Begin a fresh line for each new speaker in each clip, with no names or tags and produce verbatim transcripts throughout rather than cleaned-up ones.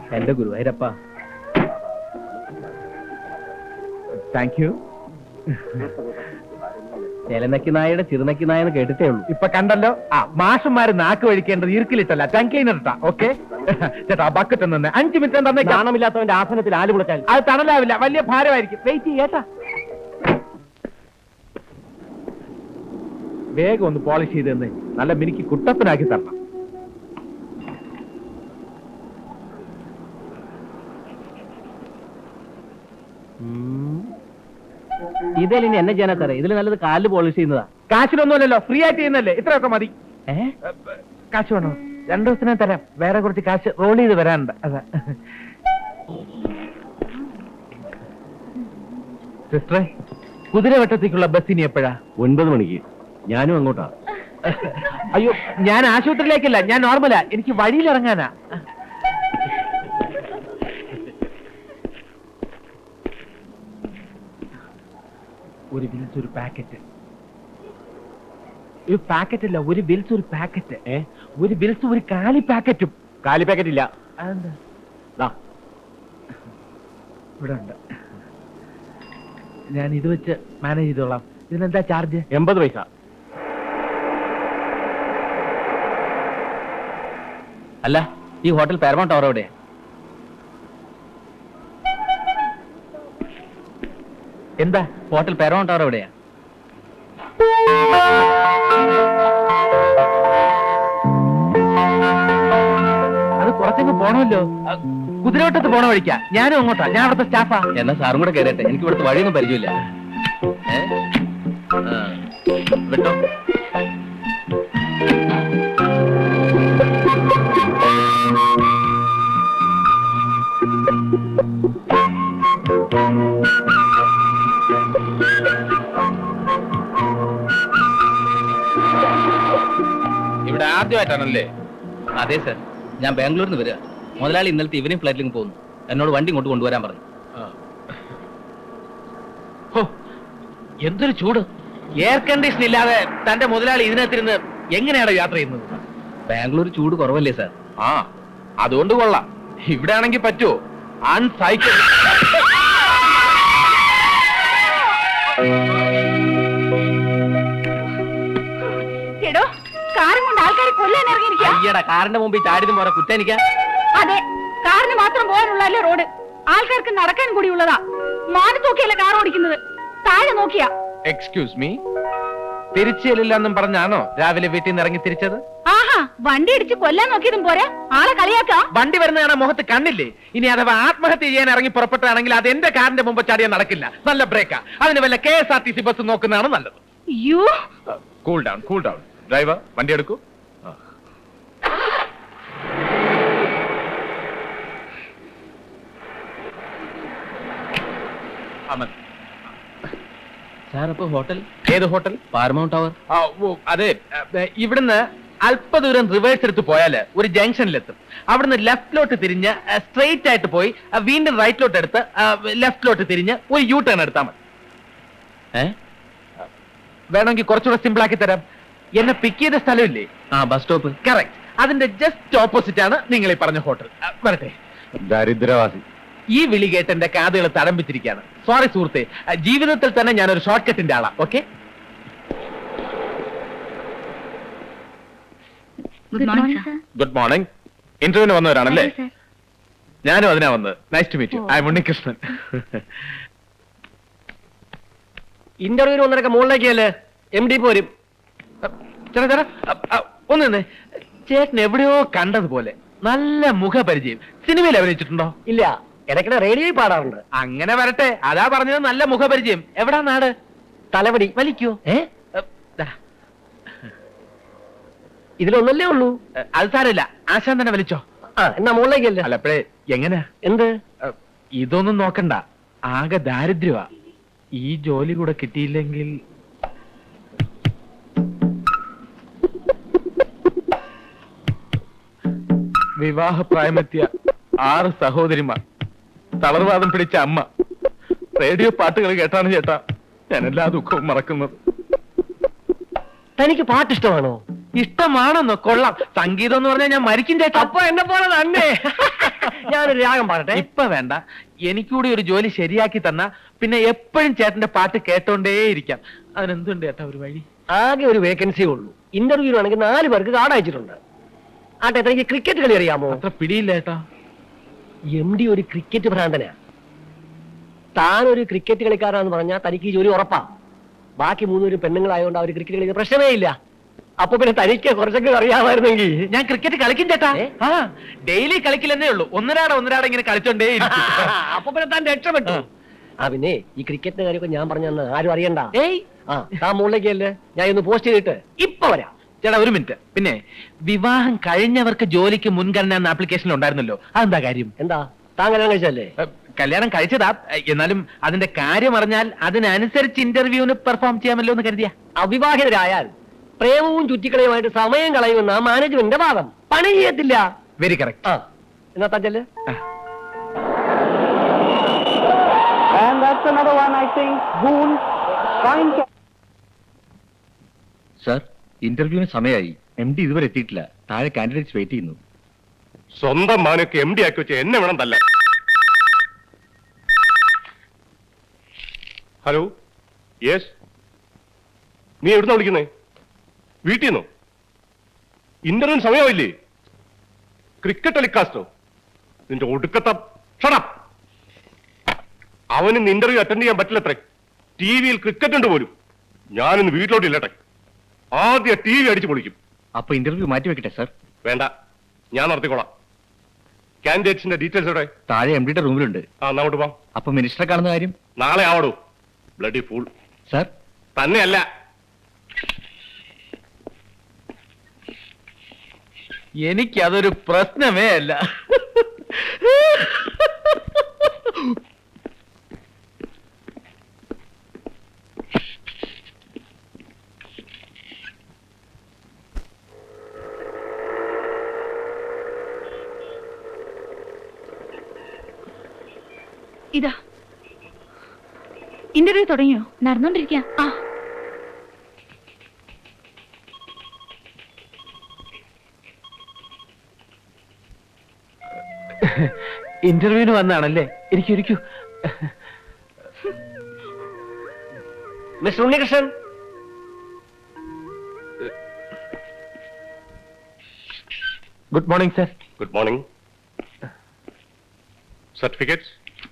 എന്റെ ഗുരുവായൂരപ്പ. Thank you. ചേലനക്കി നായയുടെ ചിറുനക്കി നായെന്ന് കേട്ടിട്ടേ ഉള്ളൂ. ഇപ്പൊ കണ്ടല്ലോ. ആ മാഷന്മാര് നാക്ക് വഴിക്കേണ്ടത് ഇറുക്കിലിട്ടല്ല, ടങ് ക്ലീനർ ഇട്ടാ. ഓക്കെ ചേട്ടാ, ബക്കറ്റ് നിന്ന് അഞ്ചു മിനിറ്റ് തന്നെ. കാണമില്ലാത്തവന്റെ ആസനത്തിൽ ആല് കുളച്ചാൽ അത് തണലാവില്ല, വലിയ ഭാരമായിരിക്കും. വെയിറ്റ് ചെയ്യേട്ടാ. വേഗം ഒന്ന് പോളിഷ് ചെയ്ത് തന്നെ നല്ല മിനിക്ക് കുട്ടപ്പനാക്കി തരണം. ഇതിൽ ഇനി എന്നെ ചെയ്യാനാ സാറേ? ഇതിൽ നല്ലത് കാല് പോളിഷ് ചെയ്യുന്നതാ. കാശിനൊന്നുമല്ലല്ലോ, ഫ്രീ ആയിട്ട് ചെയ്യുന്നല്ലേ. ഇത്രയൊക്കെ മതി. ഏഹ് കാശ് വേണോ? രണ്ടു ദിവസത്തിനെ തരാം. വേറെ കുറച്ച് കാശ് റോൾ ചെയ്ത് വരാനുണ്ട്. അതാ സിസ്റ്ററെ, കുതിരവട്ടത്തേക്കുള്ള ബസ്സിന് എപ്പോഴാ? ഒൻപത് മണിക്ക്. ഞാനും അങ്ങോട്ടാ. അയ്യോ, ഞാൻ ആശുപത്രിയിലേക്കല്ല, ഞാൻ നോർമലാ. എനിക്ക് വഴിയിലിറങ്ങാനാ. ഒരു വിൽസ് ഒരു പാക്കറ്റ്. ഒരു പാക്കറ്റ് അല്ല, ഒരു വിൽസ് ഒരു പാക്കറ്റ്. ഏ ഒരു വിൽസ് ഒരു കാലി പാക്കറ്റും. കാലി പാക്കറ്റ് ഇല്ല. അതെന്താ? ഇവിടെ ഉണ്ട്. ഞാൻ ഇത് വെച്ച് മാനേജ് ചെയ്തോളാം. ഇതിനെന്താ ചാർജ്? എൺപത് പൈസ. അല്ല, ഈ ഹോട്ടൽ പാരമൗണ്ട് ടവർ എവിടെയാ? എന്താ ഹോട്ടൽ പാരമൗണ്ട് ടവർ എവിടെയാ? അത് കുറച്ചങ്ങ് പോണമല്ലോ. കുതിരവട്ടത്ത് പോണ വഴിക്കാ. ഞാനും അങ്ങോട്ടാ. ഞാൻ അവിടുത്തെ സ്റ്റാഫാ. എന്നാ സാറും കൂടെ കയറട്ടെ. എനിക്ക് ഇവിടുത്തെ വഴിയൊന്നും പരിചയമില്ല. വിട്ടോ. ഇവിടെ ആദ്യമായിട്ടാണല്ലേ? അതെ സർ, ഞാൻ ബാംഗ്ലൂരിൽ നിന്ന് വരിക. മുതലാളി ഇന്നലത്തെ ഈവനിങ് ഫ്ലൈറ്റിലേക്ക് പോകുന്നു. എന്നോട് വണ്ടി ഇങ്ങോട്ട് കൊണ്ടുവരാൻ പറഞ്ഞു. എന്തൊരു ചൂട്! എയർ കണ്ടീഷൻ ഇല്ലാതെ തന്റെ മുതലാളി ഇതിനകത്തിരുന്ന് എങ്ങനെയാണ് യാത്ര ചെയ്യുന്നത്? ബാംഗ്ലൂർ ചൂട് കുറവല്ലേ സാർ? ആ, അതുകൊണ്ട് കൊള്ളാം. ഇവിടെ ആണെങ്കിൽ പറ്റുമോ? അൺസൈക്കിൾ. അയ്യടാ, കാറിന്റെ മുമ്പിൽ ചാടിയതും പോരാ കുറ്റാനിക്കാ.
അതെ, കാറിന് മാത്രം പോകാനുള്ളല്ലേ റോഡ്. ആൾക്കാർക്ക് നടക്കാൻ കൂടിയുള്ളതാ. മാറി നോക്കിയല്ല കാർ ഓടിക്കുന്നത്, താഴെ നോക്കിയാ.
എക്സ്ക്യൂസ് മീ, തിരിച്ചെല്ലില്ലെന്നും പറഞ്ഞാണോ രാവിലെ വീട്ടിൽ നിന്ന് ഇറങ്ങി തിരിച്ചത്?
ആഹാ, വണ്ടി ഇടിച്ച് കൊല്ലാൻ നോക്കിയതും പോരാ, ആളെ കളിയാക്കാ.
വണ്ടി വരുന്ന കാണാൻ മുഖത്ത് കണ്ണില്ലേ? ഇനി അഥവാ ആത്മഹത്യ ചെയ്യാൻ ഇറങ്ങി പുറപ്പെട്ടാണെങ്കിൽ അത് എന്റെ കാറിന്റെ മുമ്പ് ചാടിയാൽ നടക്കില്ല. നല്ല ബ്രേക്കാ. അതിന് വല്ല K S R T C bus നോക്കുന്നതാണ് നല്ലത്. Cool down, cool down. Driver, വണ്ടി എടുക്കൂ. സാർ, അപ്പൊ ഹോട്ടൽ ഏത് ഹോട്ടൽ? Paramount tower. അതെ, ഇവിടുന്ന് അല്പദൂരം റിവേഴ്സ് എടുത്ത് പോയാല് ഒരു ജംഗ്ഷനിലെത്തും. അവിടുന്ന് ലെഫ്റ്റിലോട്ട് തിരിഞ്ഞ് സ്ട്രെയിറ്റ് ആയിട്ട് പോയി വീണ്ടും റൈറ്റിലോട്ട് എടുത്ത് ലെഫ്റ്റിലോട്ട് തിരിഞ്ഞ് ഒരു യൂ ടേൺ എടുത്താൽ മതി. ഏ വേണമെങ്കിൽ കുറച്ചുകൂടെ സിമ്പിൾ ആക്കി തരാം. എന്നെ പിക്ക് ചെയ്ത സ്ഥലമില്ലേ? ആ, ബസ് സ്റ്റോപ്പ്. കറക്റ്റ്. അതിന്റെ ജസ്റ്റ് ഓപ്പോസിറ്റ് ആണ് നിങ്ങൾ ഈ പറഞ്ഞ ഹോട്ടൽ. വരട്ടെ. ദരിദ്രവാസി. ഈ വിളി കേട്ട് എന്റെ കാതുകൾ തടംപിച്ചിരിക്കുകയാണ്. സോറി സുഹൃത്തെ, ജീവിതത്തിൽ തന്നെ ഞാനൊരു ഷോർട്ട് കട്ടിന്റെ ആളാ. ഓക്കെ. Good morning. ഇന്റർവ്യൂവിന് വന്നവരാണല്ലേ? ഞാനും അതിനാ വന്നത്. Nice to meet you. I am Unnikrishnan. ഇന്റർവ്യൂവിന് വന്നതൊക്കെ മുകളിലേക്കല്ലേ? എം ഡി പോരും. ചേട്ടാ ചേട്ടാ ഒന്ന് നിന്ന്. ചേട്ടൻ എവിടെയോ കണ്ടതുപോലെ നല്ല മുഖപരിചയം. സിനിമയിൽ അഭിനയിച്ചിട്ടുണ്ടോ? ഇല്ല, ഇടയ്ക്കിടെ റേഡിയോയിൽ പാടാറുണ്ട്. അങ്ങനെ വരട്ടെ. അതാ പറഞ്ഞത് നല്ല മുഖപരിചയം. എവിടാ നാട്? തലവടി. വലിക്കോ? ഏ ഇതിലൊന്നല്ലേ ഉള്ളൂ. അത് സാരമില്ല, ആശാൻ തന്നെ വലിച്ചോ. ആ, എന്നാ മുകളിലേക്കല്ലേ? അല്ല, അപ്പഴേ എങ്ങനെ? എന്ത്? ഇതൊന്നും നോക്കണ്ട. ആകെ ദാരിദ്ര്യമാ. ഈ ജോലി കൂടെ കിട്ടിയില്ലെങ്കിൽ വിവാഹപ്രായമെത്തിയ ആറ് സഹോദരിമാർ, തളർവാദം പിടിച്ച അമ്മ, റേഡിയോ പാട്ടുകൾ കേട്ടാണ് ചേട്ടാ ഞാൻ എല്ലാ ദുഃഖവും മറക്കുന്നത്. തനിക്ക് പാട്ടിഷ്ടമാണോ? ഇഷ്ടമാണെന്നോ? കൊള്ളാം. സംഗീതം എന്ന് പറഞ്ഞാൽ ഞാൻ മരിക്കും ചേട്ടാ.
അപ്പൊ എന്നെ പോലെ തന്നെ. ഞാനൊരു രാഗം പാടട്ടെ.
ഇപ്പൊ വേണ്ട, എനിക്കൂടി ഒരു ജോലി ശരിയാക്കി തന്ന പിന്നെ എപ്പോഴും ചേട്ടന്റെ പാട്ട് കേട്ടോണ്ടേയിരിക്കാം. അതിനെന്തുണ്ട് ചേട്ടാ ഒരു വഴി?
ആകെ ഒരു വേക്കൻസി ഉള്ളൂ. ഇന്റർവ്യൂ ആണെങ്കിൽ നാല് പേർക്ക് കാർഡ് അയച്ചിട്ടുണ്ട്. ആട്ടെ, തനിക്ക് ക്രിക്കറ്റ് കളി അറിയാമോ?
അത്ര പിടിയില്ല ചേട്ടാ.
എം ഡി ഒരു ക്രിക്കറ്റ് ഭ്രാന്തനാ. താനൊരു ക്രിക്കറ്റ് കളിക്കാരാന്ന് പറഞ്ഞാൽ തനിക്ക് ഈ ജോലി ഉറപ്പാ. ബാക്കി മൂന്നുപേരും പെണ്ണുങ്ങളായതുകൊണ്ട് അവർ ക്രിക്കറ്റ് കളിക്കുന്ന പ്രശ്നമേ ഇല്ല. അപ്പൊ പിന്നെ തനിക്ക് കുറച്ചൊക്കെ അറിയാമായിരുന്നെങ്കിൽ.
ഞാൻ ക്രിക്കറ്റ് കളിക്കും ചേട്ടാ. ആ ഡെയിലി കളിക്കില്ലെന്നേ ഉള്ളൂ. ഒന്നരാടെ ഒന്നരാടെ ഇങ്ങനെ കളിച്ചോണ്ടേ.
അപ്പൊ പിന്നെ താൻ രക്ഷപ്പെട്ടു. ആ പിന്നെ ഈ ക്രിക്കറ്റിന്റെ കാര്യമൊക്കെ ഞാൻ പറഞ്ഞു തന്നെ ആരും അറിയണ്ട.
ഏയ്
ആ താൻ മുകളിലേക്കല്ലേ, ഞാൻ ഒന്ന് പോസ്റ്റ് ചെയ്തിട്ട് ഇപ്പൊ വരാം.
ചേട്ടാ ഒരു മിനിറ്റ്. പിന്നെ വിവാഹം കഴിഞ്ഞവർക്ക് ജോലിക്ക് മുൻഗണന എന്ന ആപ്ലിക്കേഷനിൽ ഉണ്ടായിരുന്നല്ലോ, അതെന്താ കാര്യം?
എന്താ താൻ കല്യാണം കഴിച്ചല്ലേ?
ഏ, കല്യാണം കഴിച്ചതാ. എന്നാലും അതിന്റെ കാര്യം അറിഞ്ഞാൽ അതിനനുസരിച്ച് ഇന്റർവ്യൂവിന് പെർഫോം ചെയ്യാമല്ലോ എന്ന് കരുതിയ.
അവിവാഹിതരായാൽ പ്രേമവും ചുറ്റിക്കളയുമായിട്ട് സമയം കളയുമെന്ന മാനേജ്മെന്റിന്റെ വാദം. പണി ചെയ്യത്തില്ല.
Very correct.
ആ എന്നാ താൻ ചെല്ല്.
And that's another one, I think. Boone trying to...
sir, ഇന്റർവ്യൂവിന് സമയമായി. എം ഡി ഇതുവരെ എത്തിയിട്ടില്ല. താഴെ കാൻഡിഡേറ്റ്സ് വെയിറ്റ് ചെയ്യുന്നു.
സ്വന്തം മാനൊക്കെ എം ഡി ആക്കി വെച്ച് എന്നെ വേണം തല്ല. ഹലോ, യെസ്, നീ എവിടുന്ന വിളിക്കുന്നേ? വീട്ടിൽ നിന്നോ? ഇന്റർവ്യൂ സമയമായില്ലേ? ക്രിക്കറ്റ് ടെലികാസ്റ്റോ? നിന്റെ ഒടുക്കത്ത ഷടപ്പ്. അവന് ഇന്റർവ്യൂ അറ്റൻഡ് ചെയ്യാൻ പറ്റില്ലത്രേ. ടി വിയിൽ ക്രിക്കറ്റ് ഉണ്ട് പോലും. ഞാനിന്ന് വീട്ടിലോട്ട് ഇല്ലട്ടെ. ആദ്യം ടി വി അടിച്ചു പൊളിക്കും.
അപ്പൊ ഇന്റർവ്യൂ മാറ്റി വെക്കട്ടെ സർ?
വേണ്ട, ഞാൻ നടത്തിക്കോളാം. കാൻഡിഡേറ്റ്സിന്റെ ഡീറ്റെയിൽസ് എവിടെ?
താഴെ എം ഡിയുടെ റൂമിലുണ്ട്.
ആ അങ്ങോട്ട് പോവാം.
അപ്പൊ മിനിസ്റ്ററെ കാണുന്ന കാര്യം?
നാളെ ആവടൂ. Bloody fool.
സർ,
തന്നെയല്ല.
എനിക്കതൊരു പ്രശ്നമേ അല്ല.
ഇതാ ഇന്റർവ്യൂ തുടങ്ങിയോ? നടന്നോണ്ടിരിക്കുക. ആ
ഇന്റർവ്യൂവിന് വന്നാണല്ലേ? ഇരിക്കൂ.
Mister Unnikrishnan,
good morning sir.
Good morning. Certificates.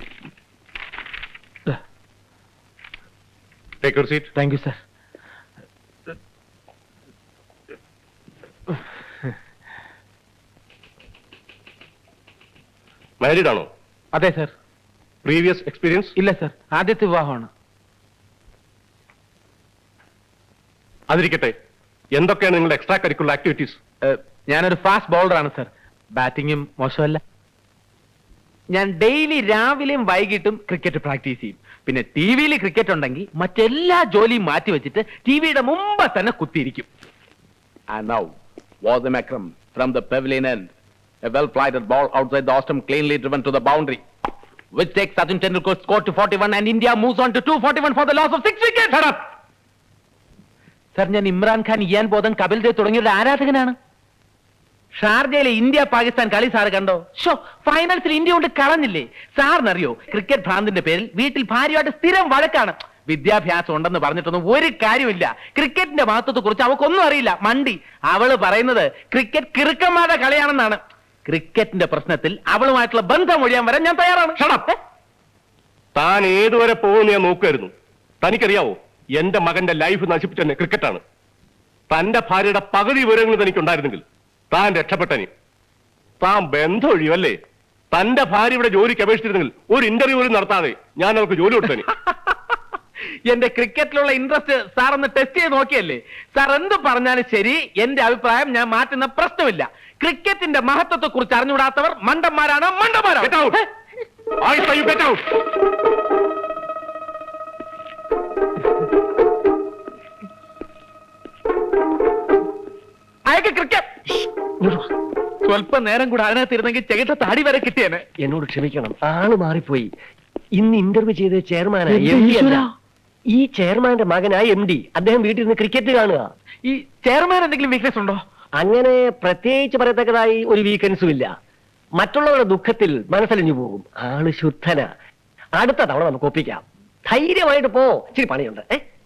Take your seat.
Thank you sir.
Married ആണോ?
അതെ സർ.
Previous experience?
ഇല്ല സർ, ആദ്യത്തെ വിവാഹമാണ്.
അതിരിക്കട്ടെ, എന്തൊക്കെയാണ് നിങ്ങളുടെ എക്സ്ട്രാ കരിക്കുലർ ആക്ടിവിറ്റീസ്?
ഞാനൊരു ഫാസ്റ്റ് ബൗളറാണ് സർ. ബാറ്റിങ്ങും മോശമല്ല. ഞാൻ ഡെയിലി രാവിലെയും വൈകിട്ടും ക്രിക്കറ്റ് പ്രാക്ടീസ് ചെയ്യും. പിന്നെ ടി വിയിൽ ക്രിക്കറ്റ് ഉണ്ടെങ്കിൽ മറ്റെല്ലാ ജോലിയും മാറ്റി വെച്ചിട്ട് ടി വിയുടെ മുമ്പ് തന്നെ കുത്തിയിരിക്കും. And now, Wasim Akram from the pavilion end. A well-flighted ball outside the Ostrom cleanly driven to the boundary, which takes Sachin Tendulkar's score to forty-one and India moves on to two forty-one for the loss of six wickets. Shut up! Sir, ഞാൻ Imran Khan, Ian Botham, Kapil Dev തുടങ്ങിയവരുടെ ആരാധകനാണ്. ഷാർജയിലെ India Pakistan കളി sir കണ്ടോ? Show, ഫൈനൽസിൽ India കൊണ്ട് കളഞ്ഞില്ലേ? സാറിനറിയോ, cricket ഭ്രാന്തിന്റെ പേരിൽ വീട്ടിൽ ഭാര്യയായിട്ട് സ്ഥിരം വഴക്കാണ്. വിദ്യാഭ്യാസം ഉണ്ടെന്ന് പറഞ്ഞിട്ടൊന്നും ഒരു കാര്യമില്ല. ക്രിക്കറ്റിന്റെ മഹത്വത്തെ കുറിച്ച് അവക്കൊന്നും അറിയില്ല. മണ്ടി. അവള് പറയുന്നത് ക്രിക്കറ്റ് കിറുക്കന്മാരുടെ കളിയാണെന്നാണ്. ക്രിക്കറ്റിന്റെ പ്രശ്നത്തിൽ അവളുമായിട്ടുള്ള ബന്ധം ഒഴിയാൻ വരാൻ ഞാൻ തയ്യാറാണ്.
ഷടപ്പ്. താൻ ഏതുവരെ പോകുമെന്ന് ഞാൻ നോക്കുമായിരുന്നു. തനിക്കറിയാവോ, എന്റെ മകന്റെ ലൈഫ് നശിപ്പിച്ചെന്നെ ക്രിക്കറ്റാണ്. തന്റെ ഭാര്യയുടെ പകുതി വിവരങ്ങൾ തനിക്കുണ്ടായിരുന്നെങ്കിൽ താൻ രക്ഷപ്പെട്ടനി. താൻ ബന്ധം ഒഴിയുമല്ലേ? തന്റെ ഭാര്യ ഇവിടെ ജോലിക്ക് അപേക്ഷിച്ചിരുന്നെങ്കിൽ ഒരു ഇന്റർവ്യൂ പോലും നടത്താതെ ഞാൻ അവർക്ക് ജോലി കൊടുത്തനി.
എന്റെ ക്രിക്കറ്റിലുള്ള ഇൻട്രസ്റ്റ് സാർ ഒന്ന് ടെസ്റ്റ് ചെയ്ത് നോക്കിയല്ലേ? സാർ എന്ത് പറഞ്ഞാലും ശരി, എന്റെ അഭിപ്രായം ഞാൻ മാറ്റുന്ന പ്രശ്നമില്ല. ക്രിക്കറ്റിന്റെ മഹത്വത്തെ കുറിച്ച് അറിഞ്ഞുകൂടാത്തവർ മണ്ടന്മാരാണ്, മണ്ടന്മാരാണ്.
Get out. I say you get out.
അയക്ക് ക്രിക്കറ്റ്. സ്വല്പം നേരം കൂടെ അതിനകത്ത് ഇരുന്നെങ്കിൽ ചെകിട്ട താടി വരെ കിട്ടിയേനെ.
എന്നോട് ക്ഷമിക്കണം, ആള് മാറിപ്പോയി. ഇന്ന് ഇന്റർവ്യൂ ചെയ്ത ചെയർമാനാ, എം ഡി അല്ല. ഈ ചെയർമാന്റെ മകനായ എം ഡി അദ്ദേഹം വീട്ടിൽ നിന്ന് ക്രിക്കറ്റ് കാണുക.
ഈ ചെയർമാൻ എന്തെങ്കിലും വീക്ക്നെസ് ഉണ്ടോ?
അങ്ങനെ പ്രത്യേകിച്ച് പറയത്തക്കതായി ഒരു വീക്കെൻഡ്സും ഇല്ല. മറ്റുള്ളവരുടെ ദുഃഖത്തിൽ മനസ്സലിഞ്ഞു പോകും. ആള് ശുദ്ധന. അടുത്ത തവണ നമുക്ക് ഒപ്പിക്കാം. ധൈര്യമായിട്ട് പോ. ഇച്ചിരി പണിയുണ്ട്. ഏ